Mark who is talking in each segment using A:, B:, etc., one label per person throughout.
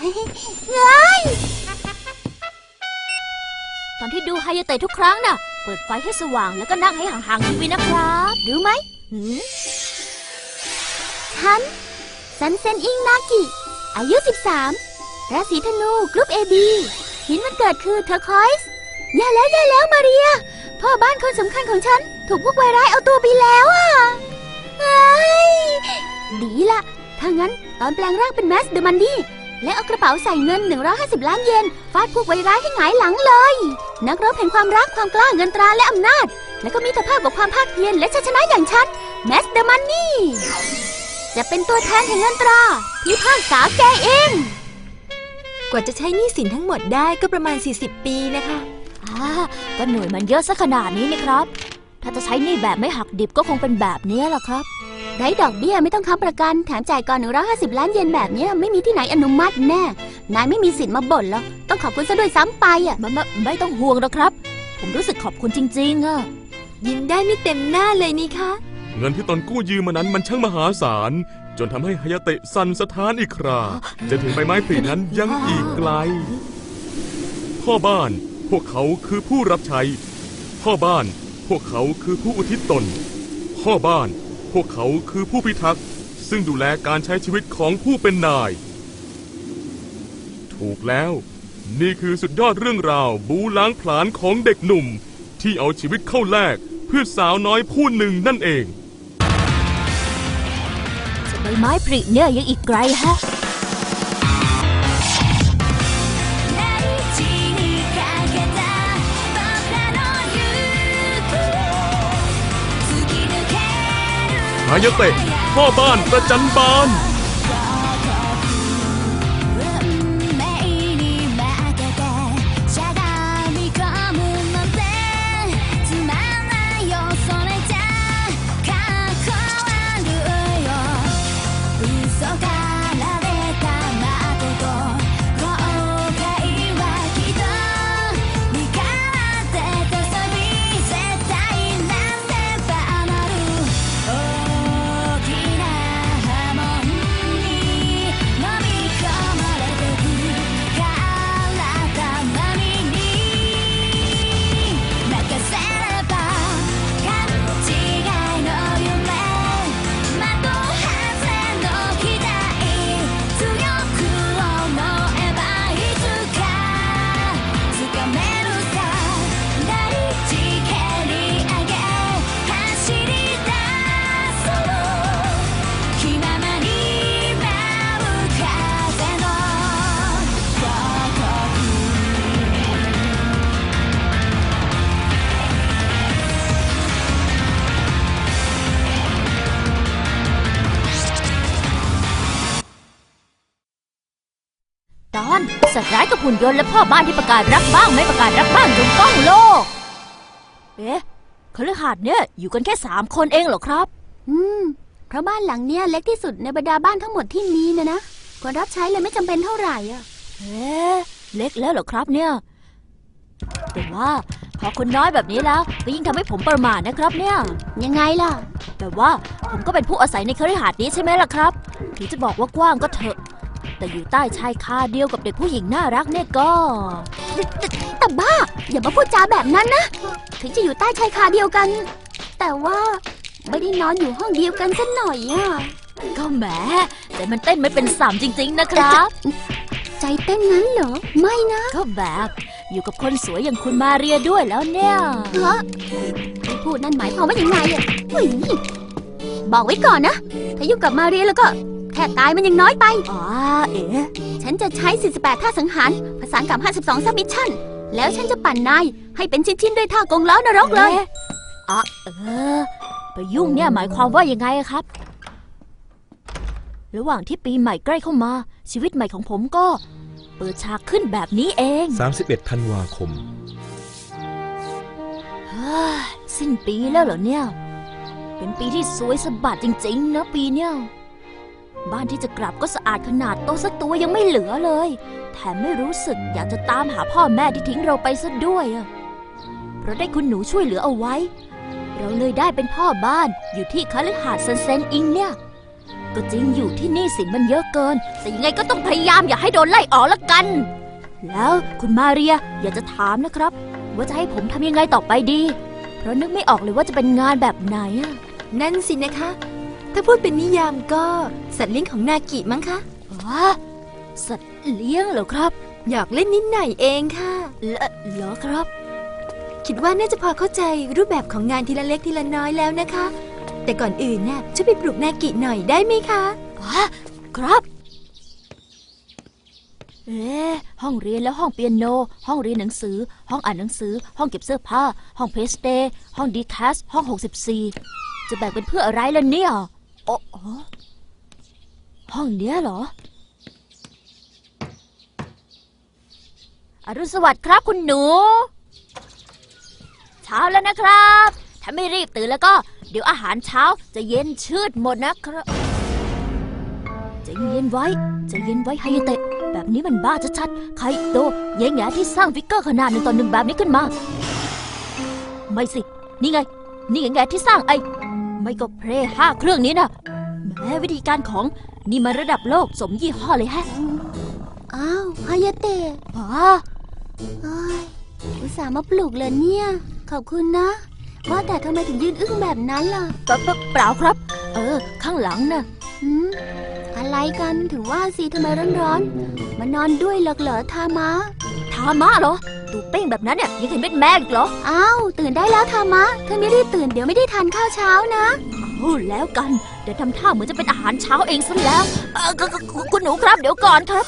A: เฮ้ย
B: ตอนที่ดูไฮยาเตะทุกครั้งน่ะเปิดไฟให้สว่างแล้วก็นั่งให้ห่างๆทีวีนะครับรู้ไหม
A: ฉันซันเซนอิงนากิอายุ13ราศีธนูกรุ๊ป AB หินวันเกิดคือเทอร์คอยส์แย่แล้วมาเรียพ่อบ้านคนสำคัญของฉันถูกพวกวายร้ายเอาตัวไปแล้วอ่ะดีละถ้างั้นตอนแปลงร่างเป็นแมสเดอะมันดี้และเอากระเป๋าใส่เงิน150 ล้านเยนฟาดพวกวายร้ายให้หงายหลังเลยนักรบแห่งความรักความกล้าเงินตราและอำนาจและก็มิตรภาพกับความภาคเพียรและชัยชนะอย่างฉันแมสเดอะมันนี่จะเป็นตัวแทนแห่งเงินตราพิพากษาแกเอง
C: กว่าจะใช้หนี้สินทั้งหมดได้ก็ประมาณ40 ปีนะคะ
B: ก็หน่วยมันเยอะซะขนาดนี้นะครับถ้าจะใช้หนี้แบบไม่หักดิบก็คงเป็นแบบนี้แหละครับ
A: ไร้ดอกเบี้ยไม่ต้องค้ำประกันแถมจ่ายก่อน150 ล้านเยนแบบนี้ไม่มีที่ไหนอนุมัติแน่นายไม่มีสิทธิ์มาบ่นแล้วต้องขอบคุณซะด้วยซ้ำไปอ่ะ
B: ไม่ต้องห่วงหรอกครับผมรู้สึกขอบคุณจริงๆอ่ะ
C: ยิ้มได้ไม่เต็มหน้าเลยนี่คะ
D: เงินที่ตนกู้ยืมมานั้นมันช่างมหาศาลจนทำให้ฮายาเตะสั่นสะท้านอีกคราจะถึงใบไม้ผลินั้นยังอีกไกลพ่อบ้านพวกเขาคือผู้รับใช้พ่อบ้านพวกเขาคือผู้อุทิศตนพ่อบ้านพวกเขาคือผู้พิทักษ์ซึ่งดูแลการใช้ชีวิตของผู้เป็นนายถูกแล้วนี่คือสุดยอดเรื่องราวบูล้างผลาญของเด็กหนุ่มที่เอาชีวิตเข้าแลกเพื่อสาวน้อยผู้หนึ่งนั่นเอง
B: ใบไม้ผลิเนี่ยยังอีกไกลฮะ
D: ฮายาเตะพ่อบ้านประจันบาน
B: สัตว์ร้ายกับหุ่นยนต์และพ่อบ้านที่ประกาศรักบ้างไม่ประกาศรักบ้างจนก้องโลกคฤหาสน์เนี่ยอยู่กันแค่3 คนเองเหรอครับ
A: เพราะบ้านหลังเนี้ยเล็กที่สุดในบรรดาบ้านทั้งหมดที่มีนะคนรับใช้เลยไม่จำเป็นเท่าไหร่อ่ะ
B: เล็กแล้วเหรอครับเนี่ยแต่ว่าพอคนน้อยแบบนี้แล้วก็ยิ่งทำให้ผมประมาทนะครับเนี่ย
A: ยังไงล่ะ
B: แต่ว่าผมก็เป็นผู้อาศัยในคฤหาสน์นี้ใช่ไหมล่ะครับถึงจะบอกว่ากว้างก็เถอะแต่อยู่ใต้ชายคาเดียวกับเด็กผู้หญิงน่ารักเนี่ยก็
A: แต่บ้าอย่ามาพูดจาแบบนั้นนะถึงจะอยู่ใต้ชายคาเดียวกันแต่ว่าไม่ได้นอนอยู่ห้องเดียวกันสักหน่อยอ่ะ
B: ก็แหมแต่มันเต้นไม่เป็น3จริงๆนะครับ
A: ใจเต้นงั้นเหรอไม่นะ
B: ก็แบบอยู่กับคนสวยอย่างคุณมาเรียด้วยแล้วเนี่ย
A: ที่พูดนั่นหมายความว่ายังไงอ่ะบอกไว้ก่อนนะถ้ายุ่งกับมาเรียแล้วก็แค่ตายมันยังน้อยไปฉันจะใช้48ท่าสังหารผสานกับ52ซับมิชชั่นแล้วฉันจะปั่นนายให้เป็นชิ้นๆด้วยท่ากงล้อนรกเลย
B: ไปยุ่งเนี่ยหมายความว่ายังไงครับระหว่างที่ปีใหม่ใกล้เข้ามาชีวิตใหม่ของผมก็เปิดฉากขึ้นแบบนี้เอง
E: 31 ธันวาคม
B: สิ้นปีแล้วเหรอเนี่ยเป็นปีที่สวยสะบัดจริงๆนะปีเนี้ยบ้านที่จะกลับก็สะอาดขนาดโต๊ะสักตัวยังไม่เหลือเลยแถมไม่รู้สึกอยากจะตามหาพ่อแม่ที่ทิ้งเราไปซะด้วยเพราะได้คุณหนูช่วยเหลือเอาไว้เราเลยได้เป็นพ่อบ้านอยู่ที่คฤหาสน์ซันเซ็นอิงเนี่ยก็จริงอยู่ที่นี่สินมันเยอะเกิน แต่ยังไงก็ต้องพยายามอย่าให้โดนไล่ออกละกัน แล้วคุณมาเรียอยากจะถามนะครับ ว่าจะให้ผมทำยังไงต่อไปดี เพราะนึกไม่ออกเลยว่าจะเป็นงานแบบไหนอะ
C: นั่นสินะคะ ถ้าพูดเป็นนิยามก็สัตว์เลี้ยงของนากิมั้งคะ
B: ว้าสัตว์เลี้ยงเหรอครับ
C: อยากเล่นนิดหน่อยเองค่ะ
B: เหรอครับ
C: คิดว่าน่าจะพอเข้าใจรูปแบบของงานทีละเล็กทีละน้อยแล้วนะคะ แต่ก่อนอื่นน่ะช่วยไปปลุกนากิหน่อยได้ไหมคะ
B: ครับห้องเรียนแล้วห้องเปียโน ห้องเรียนหนังสือ ห้องอ่านหนังสือ ห้องเก็บเสื้อผ้า ห้องเพลย์สเตย์ห้องดีแคสห้อง64จะแบ่งเป็นเพื่ออะไรล่ะเนี่ยโอ้โหห้องเนี้ยเหรออรุณสวัสดิ์ครับคุณหนู เช้าแล้วนะครับ ถ้าไม่รีบตื่นแล้วก็เดี๋ยวอาหารเช้าจะเย็นชืดหมดนะครับใจเย็นไว้ใจเย็นไว้ไฮเตะแบบนี้มันบ้าชัดๆใครโตแย่แง่ที่สร้างฟิกเกอร์ขนาด1:1แบบนี้ขึ้นมาไม่สินี่ไงนี่แง่ที่สร้างไม่ก็เพลย์5 เครื่องนี้นะแม้วิธีการของนี่มันระดับโลกสมยี่ห้อเลยแฮะ
A: อ้าวฮายาเตะ
B: อ๋อ
A: เอ้ยอุตส่าห์มาปลุกเลยเนี่ย ขอบคุณนะ ว่าแต่ทำไมถึงยืนอึ้งแบบนั้นล่ะ
B: เปล่าครับ ข้างหลังน่ะ
A: หืมอะไรกันถึงว่าสิทำไมร้อนๆมานอนด้วยเหรอทามะ
B: ทามะเหรอตูเป้งแบบนั้นเนี่ยยังเห็นเป็นแม่อีกเหรอ
A: อ้าวตื่นได้แล้วทามะถ้าไม่รีบตื่นเดี๋ยวไม่ได้ทานข้าวเช้านะ
B: โอ้แล้วกันเดี๋ยวทำท่าเหมือนจะเป็นอาหารเช้าเองซะแล้วคุณหนูครับเดี๋ยวก่อนครับ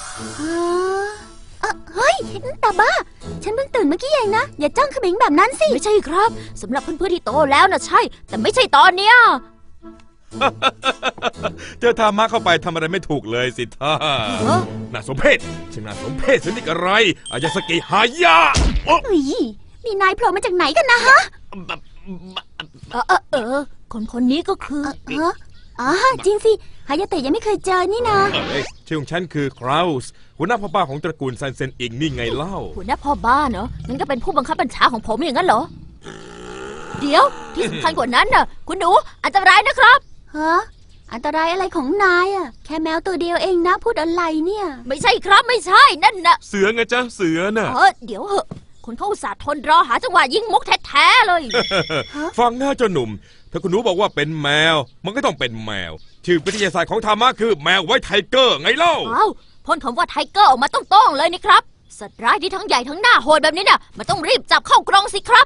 A: เฮ้ยแต่บ้า ฉันเพิ่งตื่นเมื่อกี้เองนะ อย่าจ้องเขม็งแบบนั้นสิ
B: ไม่ใช่ครับสำหรับเพื่อนๆที่โตแล้วนะใช่ แต่ไม่ใช่ตอนเนี้ย
E: เจอธรรมะเข้าไปทำอะไรไม่ถูกเลยสิท่า
B: เอ้อ
E: น่าสมเพชช่างน่าสมเพชสนิทอะไรอายาสกิฮายะโอ้
A: เฮ้ยนี่นายโผล่มาจากไหนกันนะฮะ
B: คนนี้ก็คือ
A: อ๋อจริงสิฮายาเตะยังไม่เคยเจอนี่นะ
E: ชื่อของฉันคือคราวส์หัวหน้าพ่อบ้านของตระกูลซันเซนอิงนี่ไงเล่า
B: หัวหน้าพ่อบ้านเหรองั้นก็เป็นผู้บังคับบัญชาของผมอย่างนั้นเหรอ เดี๋ยวที่สำคัญกว่านั้นน่ะ คุณหนูอันตรายนะครับ
A: ฮะอันตรายอะไรของนายอะแค่แมวตัวเดียวเองนะพูดอะไรเนี่ย
B: ไม่ใช่ครับไม่ใช่นั่นน่ะ
D: เสือไงจ๊ะเสือน่ะ
B: เดี๋ยวเหอะคนเขาอุตส่าห์ทนรอหาจังหวะยิงมุกแท้ๆเลย
E: ฟังหน้าเจ้าหนุ่ม ถ้าคุณหนูบอกว่าเป็นแมว มันก็ต้องเป็นแมว ชื่อวิทยาศาสตร์ของธรรมะคือแมวไว้ไทเกอร์ไงเล่า
B: ว้าวพ่นคำว่าไทเกอร์ออกมาต้องๆเลยนี่ครับ สัตว์ร้ายที่ทั้งใหญ่ทั้งหน้าโหดแบบนี้น่ะมันต้องรีบจับเข้ากรงสิครับ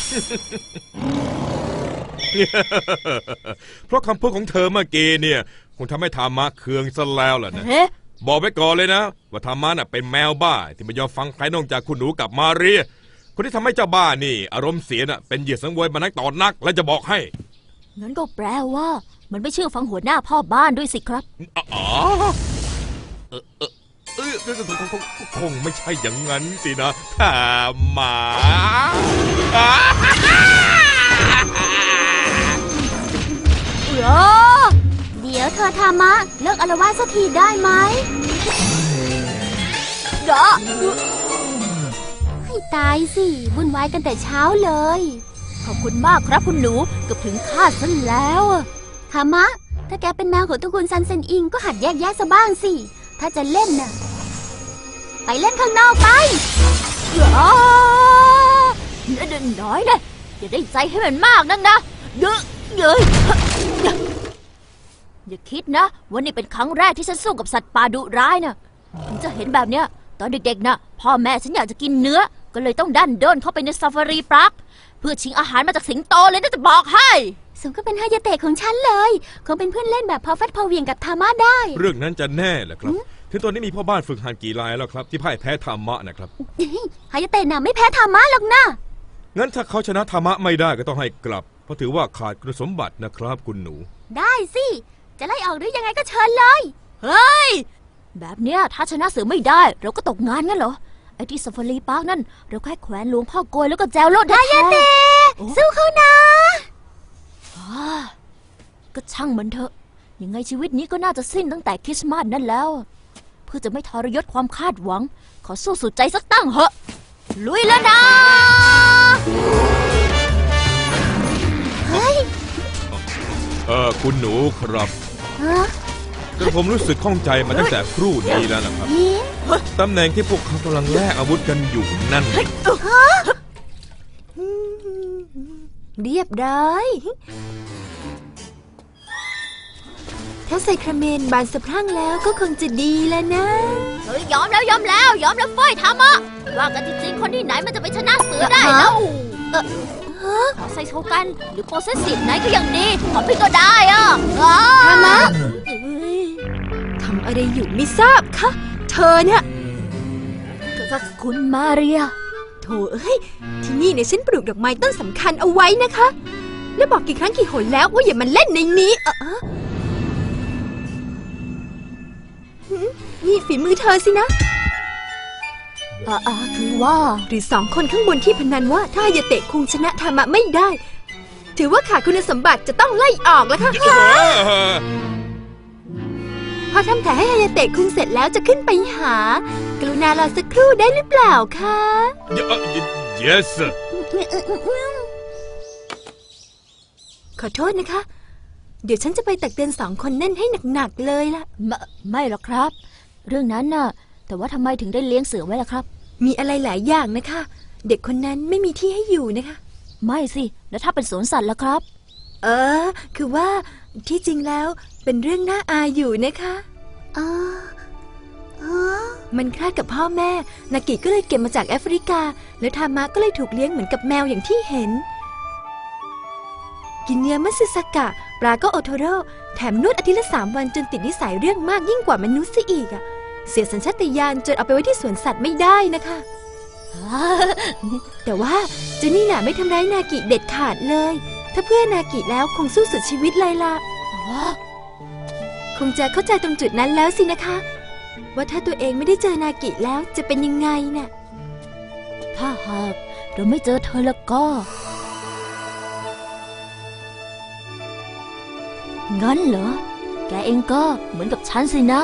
E: เพราะคำพูดของเธอเมื่อกี้เนี่ยคงทำให้ธรรมะเคืองซะแล้วล่ะนะ
B: เอ๊ะ
E: บอกไว้ก่อนเลยนะ ว่าธรรมะน่ะเป็นแมวบ้า ที่ไม่ยอมฟังใครนอกจากคุณหนูกับมาเรีย คนที่ทำให้เจ้าบ้านี่ อารมณ์เสียน่ะเป็นเหยื่อสังเวยมานักต่อนัก และจะบอกให้
B: งั้นก็แปลว่า มันไม่เชื่อฟังหัวหน้าพ่อบ้านด้วยสิครับ
E: อ๋อคงไม่ใช่อย่างนั้นสินะธรรมะ
A: เดี๋ยวเธอทามะเลิกอาละวาดสักทีได้ไหมให้ตายสิวุ่นวายกันแต่เช้าเลย
B: ขอบคุณมากครับคุณหนูเกือบถึงคาดซะแล้วอะ
A: ทามะ ถ้าแกเป็นแมวของตระกูลซันเซนอิงก็หัดแยกแยะซะบ้างสิ ถ้าจะเล่นน่ะ ไปเล่นข้างนอกไป
B: น้อยนะอย่าได้ใจให้มันมากนักนะเยอะอย่าคิดนะว่านี่เป็นครั้งแรกที่ฉันสู้กับสัตว์ป่าดุร้ายนะถึงจะเห็นแบบเนี้ยตอนเด็กๆนะพ่อแม่ฉันอยากจะกินเนื้อก็เลยต้องดันด้นเข้าไปในซาฟารีพาร์คเพื่อชิงอาหารมาจากสิงโตเลยนะจะบอกให้
A: สมก็เป็นฮายาเตะของฉันเลย คงเป็นเพื่อนเล่นแบบพอฟัดพอเหวียงกับทามะได้
E: เรื่องนั้นจะแน่เหรอครับ ถึงตอนนี้มีพ่อบ้านฝึกหัดกี่รายแล้วครับที่พ่ายแพ้ธรรมะนะครับ
A: ฮายาเตะน่ะไม่แพ้ทามะหรอกนะ
E: งั้นถ้าเขาชนะธรรมะไม่ได้ก็ต้องให้กลับ เพราะถือว่าขาดคุณสมบัตินะครับคุณหนู
A: ได้สิ จะไล่ออกหรือยังไงก็เชิญเลย
B: แบบเนี้ยถ้าชนะเสือไม่ได้เราก็ตกงานงั้นเหรอไอ้ที่ซาฟารีพาร์คนั่นเราแค่แขวนหลวงพ่อโกยแล้วก็แจวโลดได้แท้
A: สู้เขานะ
B: ก็ช่างมันเถอะยังไงชีวิตนี้ก็น่าจะสิ้นตั้งแต่คริสต์มาสนั่นแล้ว เพื่อจะไม่ทรยศความคาดหวัง ขอสู้สุดใจสักตั้งเหอะลุยแล้วนะ
E: คุณหนูครับ
A: ฮฮะ
E: จนผมรู้สึกข้องใจมาตั้งแต่ครู่นี้แล้วนะครับ
A: นี่
E: ตำแหน่งที่พวกเขากำลังแลกอาวุธกันอยู่นั่น
C: เรียบร้อย ถ้าไซคราเมนบานสะพรั่งแล้วก็คงจะดีแล้วนะ
B: เฮ้ยยอมแล้วเฟ้ยทำอ่ะว่ากันจริงๆคนที่ไหนมันจะไปชนะเสือได้แล้วขอไซโชกันหรือโปรเซสซีฟไหนก็ยังดีขอพี่ก็ได้อ่ะ
C: ทามะ ทำอะไรอยู่ไม่ทราบคะ เธอเนี่ย
B: คุณมาเรีย
C: โถเอ้ย ที่นี่เนี่ยฉันปลูกดอกไม้ต้นสำคัญเอาไว้นะคะ แล้วบอกกี่ครั้งกี่หนแล้วว่าอย่ามาเล่นในนี้นี่ฝีมือเธอสินะ
B: คือว่า
C: หรือสองคนข้างบนที่พนันว่าถ้าฮายาเตะคุงชนะธามะไม่ได้ ถือว่าขาดคุณสมบัติจะต้องไล่ออกแล้วค่ะ พอทำแผลให้ฮายาเตะคุงเสร็จแล้วจะขึ้นไปหา กรุณารอสักครู่ได้หรือเปล่าคะ
E: yes
C: ขอโทษนะคะ เดี๋ยวฉันจะไปตักเตือนสองคนนั่นให้หนักๆเลยล่ะ
B: ไม่หรอกครับ เรื่องนั้นน่ะแต่ว่าทำไมถึงได้เลี้ยงเสือไว้ล่ะครับ
C: มีอะไรหลายอย่างนะคะ เด็กคนนั้นไม่มีที่ให้อยู่นะคะ
B: ไม่สิแล้วถ้าเป็นสวนสัตว์ล่ะครับ
C: คือว่าที่จริงแล้วเป็นเรื่องน่าอายอยู่นะคะ
A: อ๋อ
C: มันคลาดกับพ่อแม่ นากิก็เลยเก็บมาจากแอฟริกา แล้วทามะก็เลยถูกเลี้ยงเหมือนกับแมวอย่างที่เห็น กินเนื้อมัตสึสกะ ปลาก็โอโทโร่ แถมนวดอาทิตย์ละ3 วันจนติดนิสัยเรื่องมากยิ่งกว่ามนุษย์ซะอีกอะเสียสัญชาตญาณจนเอาไปไว้ที่สวนสัตว์ไม่ได้นะคะ แต่ว่าเจนี่น่ะไม่ทำร้ายนากิเด็ดขาดเลย ถ้าเพื่อนากิแล้วคงสู้สุดชีวิตเลยล่ะ คงจะเข้าใจตรงจุดนั้นแล้วสินะคะ ว่าถ้าตัวเองไม่ได้เจอนากิแล้วจะเป็นยังไงน่ะ
B: ถ้าหากเราไม่เจอเธอแล้วก็ งั้นเหรอ แกเองก็เหมือนกับฉันสินะ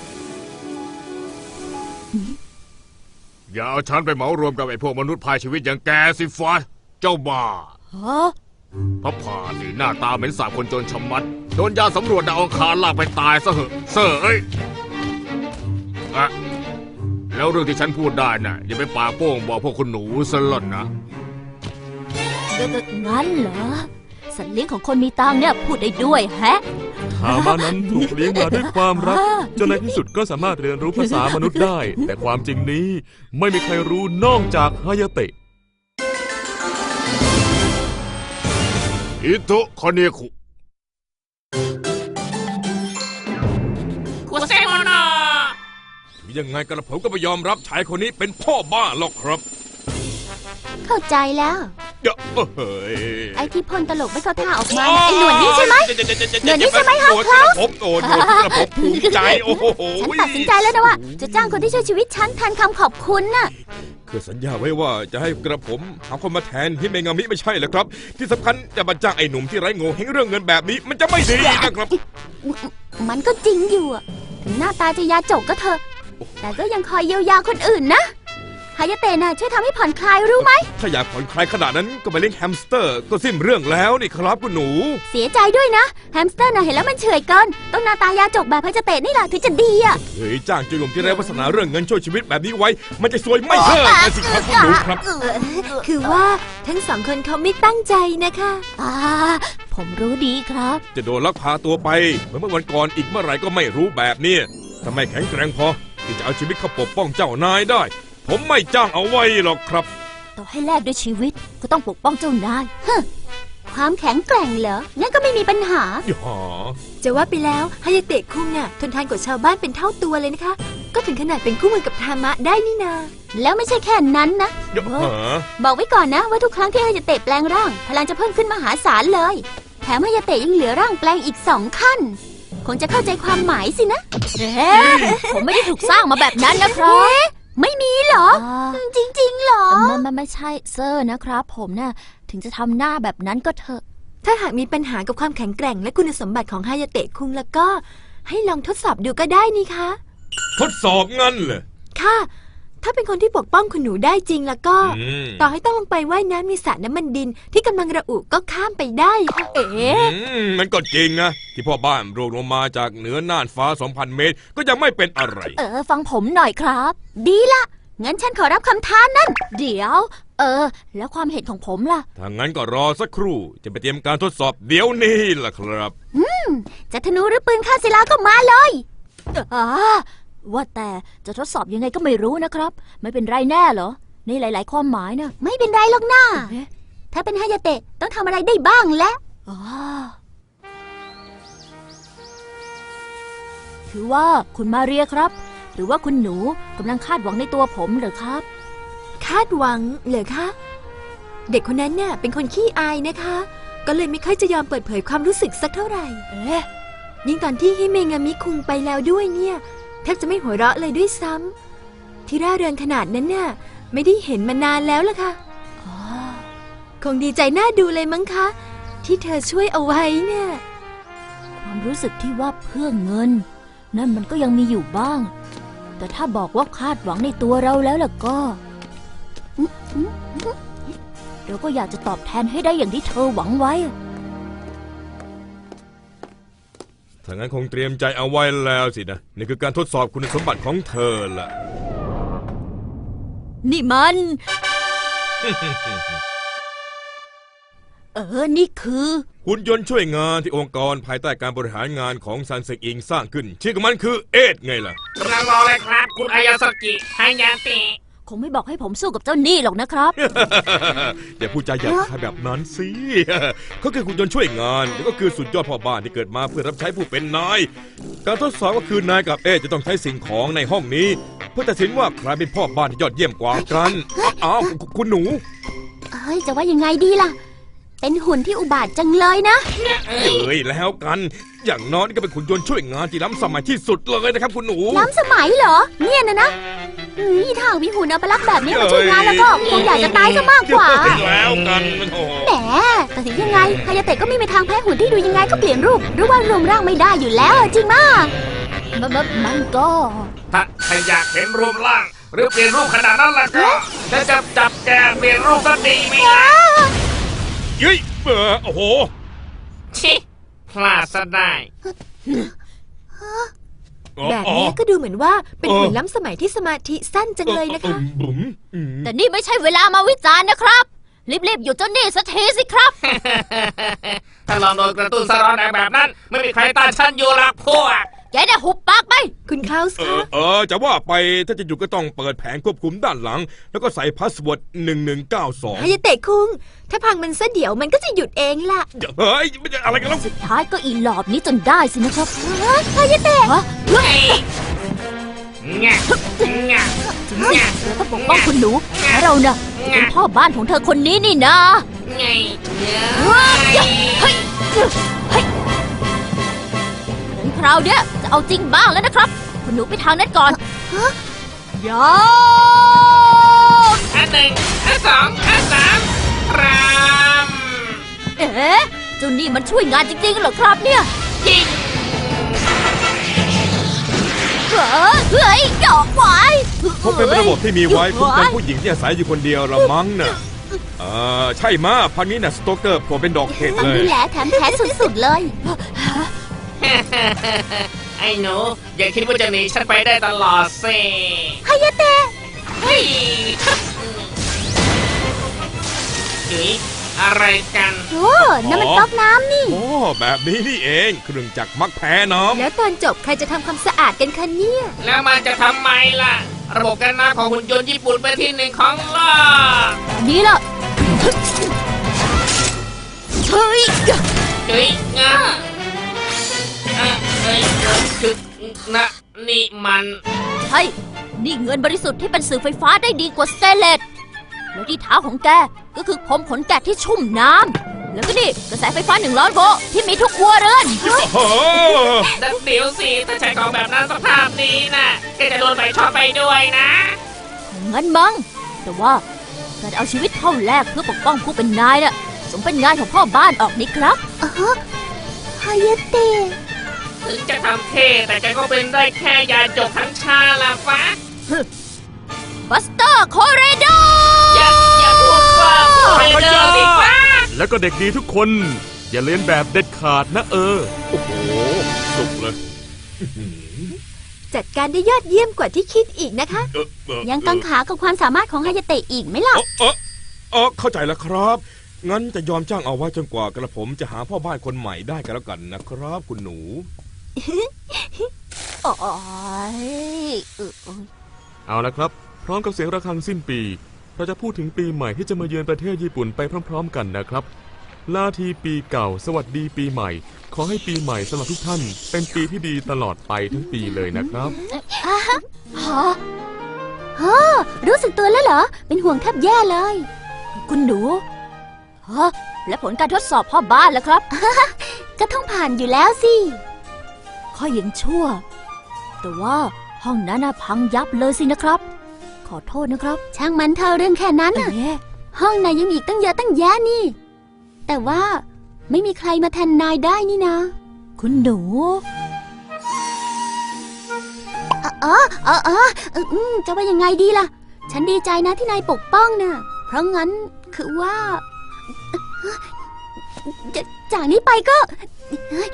F: อย่าเอาฉันไปเหมารวมกับไอ้พวกมนุษย์พายชีวิตอย่างแกสิฟ้าเจ้าบ้า
B: ฮะ
F: พระผ่านี่หน้าตาเหม็นสาบคนจนชะมัด โดนยาสำรวจดาวอังคารลากไปตายซะเหอะเซ่อเอ้ยอะแล้วเรื่องที่ฉันพูดได้น่ะอย่าไปปากโป้งบอกพวกคุณหนูซะล่อนนะ
B: งั้นเหรอ สัตว์เลี้ยงของคนมีตังค์เนี่ยพูดได้ด้วยแฮะ
D: ทามานั้นถูกเลี้ยงมาด้วยความรักจนในที่สุดก็สามารถเรียนรู้ภาษามนุษย์ได้ แต่ความจริงนี้ไม่มีใครรู้นอกจากฮายาเตะ
F: อิโตะคาเนคุ
E: ยังไงกันผมก็ไม่ยอมรับชายคนนี้เป็นพ่อบ้าหรอกครับ
A: เข้าใจแล้ว
E: เดี๋ยวเฮ้ย
A: ไอ้ที่พ่นตลกไม่เข้าท่าออกมาน่ะไอ้หนวดนี่ใช่ไหม หนวดนี่ใช่ไหมครับ
E: กระผมโอ้หนวดกระผมภูมิใจโอ้โห
A: ฉันตัดสินใจแล้วนะว่า จะจ้างคนที่ช่วยชีวิตฉันแทนคำขอบคุณน่ะ
E: คือสัญญาไว้ว่าจะให้กระผมหาคนมาแทนฮิเมงามิไม่ใช่เหรอครับ ที่สำคัญจะมาจ้างไอ้หนุ่มที่ไร้โง่เฮงเรื่องเงินแบบนี้มันจะไม่ดีนะครับ
A: มันก็จริงอยู่อะถึงหน้าตาจะยาจกก็เถอะ แต่ก็ยังคอยเยียวยาคนอื่นนะฮายาเตะน่ะช่วยทำให้ผ่อนคลายรู้ไหม
E: ถ้าอยากผ่อนคลายขนาดนั้นก็ไปเลี้ยงแฮมสเตอร์ก็สิ้นเรื่องแล้วนี่ครับคุณหนู
A: เสียใจด้วยนะแฮมสเตอร์น่ะเห็นแล้วมันเฉยเกินต้องหน้าตายาจกแบบฮายาเตะนี่แหละถึงจะดีอะ
E: เฮ้ยจ้างจุลมที่ไร้วาสนาเรื่องเงินช่วยชีวิตแบบนี้ไว้ มันจะซวยไม่เลิกนะสิครับคุณหนูครับ
C: คือว่าทั้งสองคนเขาไม่ตั้งใจนะคะ
B: ผมรู้ดีครับ
E: จะโดนลักพาตัวไปเหมือนเมื่อวันก่อนอีกเมื่อไหร่ก็ไม่รู้แบบนี้ทำไมแข็งแกร่งพอที่จะเอาชีวิตเข้าปกป้องเจ้านายได้ ผมไม่จ้างเอาไว้หรอกครับ
B: ต่อให้แลกด้วยชีวิตก็ต้องปกป้องเจ้านาย
A: ความแข็งแกร่งเหรองั้นก็ไม่มีปัญหา
E: อย่า
C: จะว่าไปแล้วฮายาเตะคุงน่ะทนทานกว่าชาวบ้านเป็นเท่าตัวเลยนะคะ ก็ถึงขนาดเป็นคู่มือกับทามะได้นี่นา
A: แล้วไม่ใช่แค่นั้นนะ
E: อย่า
A: บอกไว้ก่อนนะว่าทุกครั้งที่ฮายาเตะแปลงร่างพลังจะเพิ่มขึ้นมหาศาลเลย แถมฮายาเตะยังเหลือร่างแปลงอีก2 ขั้น คงจะเข้าใจความหมายสินะ
B: ผมไม่ได้ถูกสร้างมาแบบนั้นนะครับ
A: ไม่มีเหรอ จริงๆเหรอ
B: มันไม่ใช่เซอร์นะครับ ผมน่ะถึงจะทำหน้าแบบนั้นก็เถอะ
C: ถ้าหากมีปัญหากับความแข็งแกร่งและคุณสมบัติของฮายาเตะคุงแล้วก็ให้ลองทดสอบดูก็ได้นี่คะ
E: ทดสอบงั้นเหรอ
C: ค่ะถ้าเป็นคนที่ปกป้องคุณหนูได้จริงแล้วก็
E: อืม
C: ต่อให้ต้องลงไปว่ายน้ำในสระน้ำมันดินที่กำลังระอุก็ข้ามไปได้ค่ะ
B: เอ๋
E: มันก็จริงนะ ที่พ่อบ้านร่วงลงมาจากเหนือน่านฟ้า 2,000 เมตร ก็ยังไม่เป็นอะไร
B: ฟังผมหน่อยครับ
A: ดีละงั้นฉันขอรับคำท้านั่น
B: เดี๋ยว แล้วความเห็นของผมล่ะ
E: ถ้างั้นก็รอสักครู่จะไปเตรียมการทดสอบเดี๋ยวนี้ล่ะครับ
A: จะธนูหรือปืนฆ่าศิลาก็มาเลย
B: ว่าแต่จะทดสอบยังไงก็ไม่รู้นะครับ ไม่เป็นไรแน่เหรอ ในหลาย ๆ ความหมายนะ
A: ไม่เป็นไรหรอกนะ
B: เอ๊ะ
A: ถ้าเป็นฮายาเตะต้องทำอะไรได้บ้างและ
B: อ๋อคือว่าคุณมาเรียครับ หรือว่าคุณหนูกำลังคาดหวังในตัวผมเหรอครับ
C: คาดหวังเหรอคะ เด็กคนนั้นเนี่ยเป็นคนขี้อายนะคะ ก็เลยไม่ค่อยจะยอมเปิดเผยความรู้สึกสักเท่าไหร่
B: เอ๊ะ
C: ยิ่งตอนที่ฮิเมงามิคุงไปแล้วด้วยเนี่ยแทบจะไม่หัวเราะเลยด้วยซ้ำที่ร่าเริงขนาดนั้นน่ะไม่ได้เห็นมานานแล้วล่ะค่ะ
B: อ๋อ
C: คงดีใจน่าดูเลยมั้งคะ ที่เธอช่วยเอาไว้เนี่ย
B: ความรู้สึกที่ว่าเพื่อเงิน นั่นมันก็ยังมีอยู่บ้าง แต่ถ้าบอกว่าคาดหวังในตัวเราแล้วล่ะก็ เราก็อยากจะตอบแทนให้ได้อย่างที่เธอหวังไว้
E: ถ้างั้นคงเตรียมใจเอาไว้แล้วสินะ นี่คือการทดสอบคุณสมบัติของเธอล่ะ
B: นี่มัน นี่คือ
E: หุ่นยนต์ช่วยงานที่องค์กรภายใต้การบริหารงานของซันเซกอิงสร้างขึ้น ชื่อของมันคือเอดไงล่ะ
G: กำลังรอเลยครับ คุณอายาสกิฮายาเตะ
B: คงไม่บอกให้ผมสู้กับเจ้าหนี้หรอกนะครับ
E: อย่าพูดจาหยาบคายแบบนั้นสิ เขาคือหุ่นยนต์ช่วยงานแล้วก็คือสุดยอดพ่อบ้านที่เกิดมาเพื่อรับใช้ผู้เป็นนาย การทดสอบก็คือนายกับเอจะต้องใช้สิ่งของในห้องนี้ เพื่อตัดสินว่าใครเป็นพ่อบ้านที่ยอดเยี่ยมกว่ากันอ้าวคุณหนู
A: เอ้ยจะว่ายังไงดีล่ะ เป็นหุ่นที่อุบาทจังเลยนะ
E: เอ้ยแล้วกัน อย่างน้อยนี่ก็เป็นหุ่นยนต์ช่วยงานที่ล้ำสมัยที่สุดเลยนะครับคุณหนู
A: ล้ำสมัยเหรอ เนี่ยนะถ้ามีหุ่นอัปลักษณ์แบบนี้มาช่วยงานแล้วก็คงอยากจะตายซะมากกว่า
E: แล้วกันมันโอ้
A: แหมแต่ถึงยังไงฮายาเตะก็ไม่มีทางแพ้หุ่นที่ดูยังไงก็เปลี่ยนรูป หรือว่ารวมร่างไม่ได้อยู่แล้วจริงมาก
B: มันก็
G: ถ้าอยากเห็นรูปร่าง หรือเปลี่ยนรูปขนาดนั้นล่ะก็จะจับแกเปลี่ยนรูปก็ดีไหมล่ะ
E: เฮ้ยโอ้โห
G: ชิพลาดซะได้
C: แบบนี้ก็ดูเหมือนว่าเป็นหุ่นล้ำสมัยที่สมาธิสั้นจังเลยนะคะ
E: บุ๋ม
B: แต่นี่ไม่ใช่เวลามาวิจารณ์นะครับ รีบๆหยุดเจ้าหนี้สักทีสิครับ
G: ถ้าลองโดนกระตุ้นสะร้อนแบบนั้น ไม่มีใครต้านฉันอยู่หรอกพวก
B: แกได้หุบปากไป
C: คุณคลาวส์คะ
E: จะว่าไปถ้าจะอยู่ก็ต้องเปิดแผงควบคุมด้านหลัง แล้วก็ใส่พาสเวิร์ด1192
C: ฮายาเตะคุง ถ้าพังมันซะเดี๋ยวมันก็จะหยุดเองล่ะ
E: เฮ้ยมันจะอะไรกันแล้ว
B: สุดท้ายก็อีหลอบนี้จนได้สินะครับ
A: ฮายาเตะ
B: ฮะ
G: เฮ้ยงะงะงะ
B: เราต้องปกป้องคุณหนูและเราน่ะเป็นพ่อบ้านของเธอคนนี้นี่นะ
G: ไง
B: เฮ้ยงั้นคราวเนี้ยจะเอาจริงบ้างแล้วนะครับ คุณหนูไปทางนั้นก่อนยา
G: อันหนึ่งอันสองอันสามราม
B: เอ๊ะเจ้านี่มันช่วยงานจริงๆเหรอครับเนี่ย
G: ยิง
B: เฮ้ยดอกไว้
E: คงเป็นระบบที่มีไว้คุ้มกันผู้หญิงที่อาศัยอยู่คนเดียวละมั้งน่ะใช่มาพันนี้น่ะสโตเกอร์ผมเป็นดอกเห็ด
A: ฟัง
E: เล
A: ดู
E: ย
A: แลแถมแพ้สุดๆเลย
G: ไอ้หนู อย่าคิดว่าจะหนีฉันไปได้ตลอดสิ
A: ฮายาเตะ
G: เฮ้ยจุ๋ยอะไรกัน
A: โอ้นั่นมันก๊อกน้ำนี่
E: โอ้แบบนี้นี่เองเครื่องจักรมักแพ้น้ำ
C: แล้วตอนจบใครจะทำความสะอาดกันคะเนี่ย
G: แล้วมันจะทำไมล่ะ ระบบกันน้ำของหุ่นยนต์ญี่ปุ่นเป็นที่หนึ่งของโลก
B: นี่ล่ะเฮ้ย
G: จุ๋ยงะเอ้ยคือนะนี่มัน
B: ใช่นี่เงินบริสุทธิ์ที่เป็นสื่อไฟฟ้าได้ดีกว่าสเตนเลสแล้วที่เท้าของแกก็คือผมขนแกะที่ชุ่มน้ำแล้วก็นี่กระแสไฟฟ้า100 โวลต์ที่มีทุกครัวเรือน
E: โอ้โห
G: ดันเดี๋ยวสิ ถ้าใช้ของแบบนั้นสภาพนี้นะแกจะโดนใบชอบไปด้วยนะ
B: งั้นมั้งแต่ว่าการเอาชีวิตเข้าแลกเพื่อปกป้องผู้เป็นนายน่ะสมเป็นงานของพ่อบ้านออกนี่ครับ
A: ฮายาเตะ
G: ถึงจะทำเท่แต่แกก็เป็นได้แค่ยาจกทั้งชาละฟ้า
B: ฮบัสเตอร์โคเรโด
G: อย่าพูดว่าไปเจอสิฟ้า
D: แล้วก็เด็กดีทุกคน อย่าเลียนแบบเด็ดขาดนะ
E: โอ้โหสุกเลย
C: จัดการได้ยอดเยี่ยมกว่าที่คิดอีกนะคะ
A: ยังกังขากับความสามารถของฮายาเตะอีกไหมล่ะ
E: เข้าใจแล้วครับ งั้นจะยอมจ้างเอาไว้จนกว่ากระผมจะหาพ่อบ้านคนใหม่ได้กันแล้วกันนะครับ คุณหนู
B: โอ้ย
D: เอาละครับ พร้อมกับเสียงระฆังสิ้นปี เราจะพูดถึงปีใหม่ที่จะมาเยือนประเทศญี่ปุ่นไปพร้อมๆกันนะครับ ลาทีปีเก่าสวัสดีปีใหม่ ขอให้ปีใหม่สำหรับทุกท่าน เป็นปีที่ดีตลอดไปทั้งปีเลยนะครับ
A: รู้สึกตัวแล้วเหรอ เป็นห่วงแทบแย่เลย
B: คุณหนูฮะและผลการทดสอบพ่อบ้านแล้วครับ
A: ก็ต้องผ่านอยู่แล้วสิ
B: ข้อยังชั่ว แต่ว่าห้องนั้นน่ะพังยับเลยสินะครับ ขอโทษนะครับ
A: ช่างมันเธอเรื่องแค่นั้นน่ะ
B: เอ๊ะ
A: ห้องนายยังมีอีกตั้งเยอะตั้งแยะนี่ แต่ว่าไม่มีใครมาแทนนายได้นี่นะ
B: คุณหนู
A: จะว่ายังไงดีล่ะ ฉันดีใจนะที่นายปกป้องน่ะ เพราะงั้นคือว่า จากนี้ไปก็เฮ้ย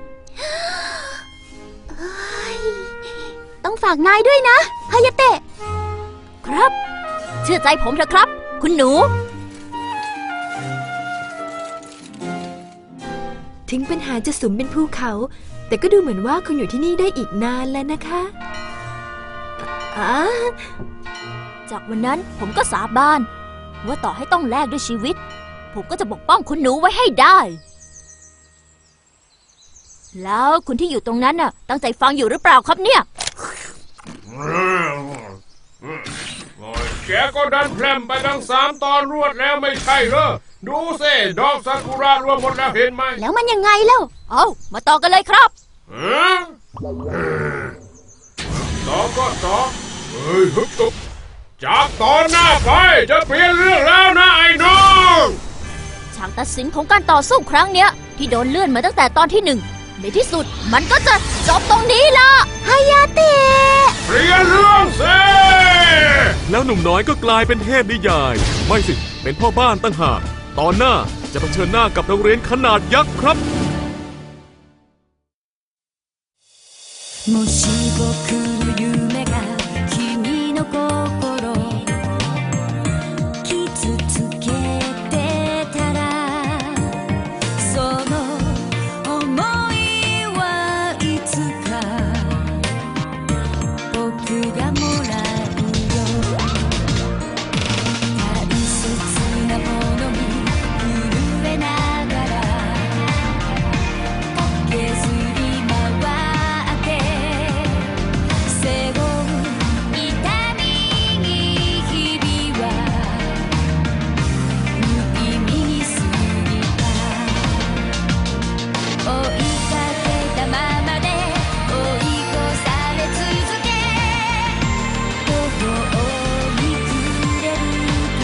A: ต้องฝากนายด้วยนะฮายาเตะ
B: ครับ เชื่อใจผมเถอะครับ คุณหนู
C: ถึงปัญหาจะสุมเป็นภูเขา แต่ก็ดูเหมือนว่าคงอยู่ที่นี่ได้อีกนานแล้วนะคะ
B: จากวันนั้นผมก็สาบานว่าต่อให้ต้องแลกด้วยชีวิต ผมก็จะปกป้องคุณหนูไว้ให้ได้ แล้วคุณที่อยู่ตรงนั้นน่ะ ตั้งใจฟังอยู่หรือเปล่าครับเนี่ย
F: แกก็ดันแพร่มไปทั้ง3 ตอนรวดแล้วไม่ใช่เหรอ ดูสิดอกซากุระรวมหมดแล้วเห็นไหม
A: แล้วมันยังไงเล่า
B: เอามาต่อกันเลยครับ
F: ต่อก็ต่อเฮ้ยฮึบตุ๊บจากตอนหน้าไปจะเปลี่ยนเรื่องแล้วนะไอ้น้อง
B: ฉากตัดสินของการต่อสู้ครั้งเนี้ยที่โดนเลื่อนมาตั้งแต่ตอนที่ 1 ในที่สุดมันก็จะจบตรงนี้ละ
A: ฮายาเตะ
F: เปลี่ยนเรื่องสิ
D: แล้วหนุ่มน้อยก็กลายเป็นเทพนิยาย ไม่สิ เป็นพ่อบ้านตั้งหาก ตอนหน้าจะเผชิญหน้ากับโรงเรียนขนาดยักษ์ครับ
H: もし僕の夢が君の心傷つけてたらその想いはいつか僕がもらうよ大切なものに震えながら駆けずり回って背負う痛みに日々は無意味に過ぎた追いかけたままで追い越され続け途方に暮れる風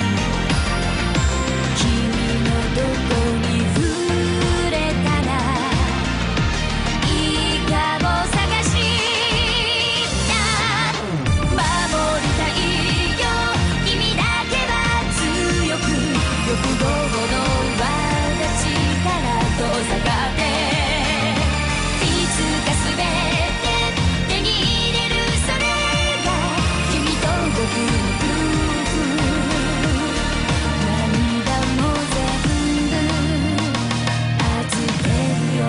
H: 君のどこに触れたらいいかも探した守りたいよ君だけは強く欲望の輪が力遠ざかっていつか全て手に入れるそれが君と僕の夫婦涙も全部預けるよ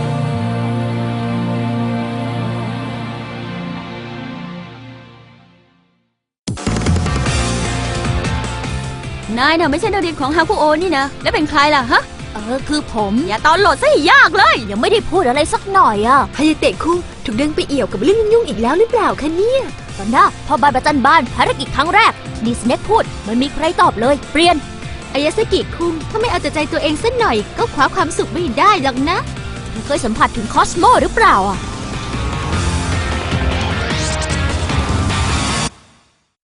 A: นายน่ะไม่ใช่นักเรียนของฮาคุโอนี่นะ แล้วเป็นใครล่ะฮะ
B: คือผม
A: อย่าตอนโหลดซะให้ยากเลย
B: ยังไม่ได้พูดอะไรสักหน่อยอ่ะ
C: ฮายาเตะคุงถูกดึงไปเอี่ยวกับเรื่องยุ่งๆอีกแล้วหรือเปล่าคะเนี่ย
B: ตอนหน้าพอบานประจันบานภารกิจครั้งแรกดีสเน็กพูดมันมีใครตอบเลย เปลี่ยน
C: อายาสกิคุงถ้าไม่เอาแต่ใจตัวเองสักหน่อยก็คว้าความสุขไม่ได้หรอกนะ
B: เคยสัมผัสถึงคอสโมหรือเปล่าอ่ะ